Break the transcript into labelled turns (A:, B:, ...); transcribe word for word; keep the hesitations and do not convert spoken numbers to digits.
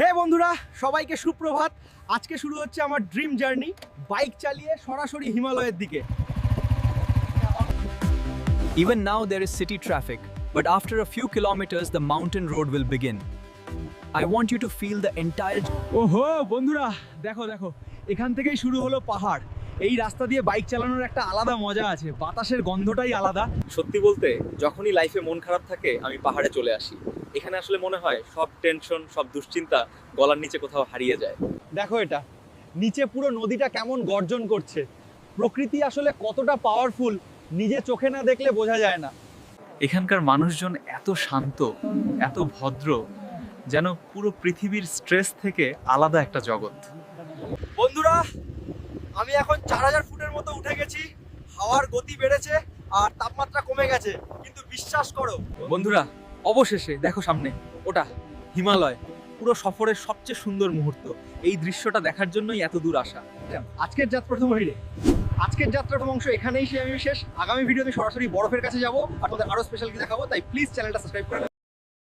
A: হে বন্ধুরা, সবাইকে সুপ্রভাত। আজকে শুরু হচ্ছে আমার ড্রিম জার্নি, বাইক চালিয়ে সরাসরি হিমালয়ের দিকে।
B: Even now there is city traffic, but after a few kilometers the mountain road will begin. I want you to feel the entire
A: ওহো বন্ধুরা, দেখো দেখো এখান থেকেই শুরু হলো পাহাড়। এই রাস্তা দিয়ে বাইক চালানোর একটা আলাদা মজা আছে, বাতাসের গন্ধটাই আলাদা।
C: সত্যি বলতে যখনই লাইফে মন খারাপ থাকে আমি পাহাড়ে চলে আসি। এখানে আসলে মনে হয় সব টেনশন, সব দুশ্চিন্তা গলার নিচে কোথাও হারিয়ে যায়।
A: দেখো এটা নিচে পুরো নদীটা কেমন গর্জন করছে। প্রকৃতি আসলে কতটা পাওয়ারফুল নিজে চোখে না দেখলে বোঝা যায় না।
C: এখানকার মানুষজন এত শান্ত, এত ভদ্র, যেন পুরো পৃথিবীর স্ট্রেস থেকে আলাদা একটা জগৎ।
A: বন্ধুরা, আমি এখন চার হাজার ফুটের মতো উঠে গেছি। হাওয়ার গতি বেড়েছে আর তাপমাত্রা কমে গেছে, কিন্তু বিশ্বাস করো
C: বন্ধুরা, অবশেষে দেখো সামনে ওটা হিমালয়। পুরো সফরের সবচেয়ে সুন্দর মুহূর্ত। এই দৃশ্যটা দেখার জন্যই এত দূর আসা।
A: আজকের যাত্রা প্রথম হইলে আজকের যাত্রার প্রথম অংশ এখানেই সে আমি শেষ। আগামী ভিডিওতে সরাসরি বরফের কাছে যাবো আর তোমাদের আরো স্পেশাল কিছু দেখাবো, তাই প্লিজ চ্যানেলটা সাবস্ক্রাইব করে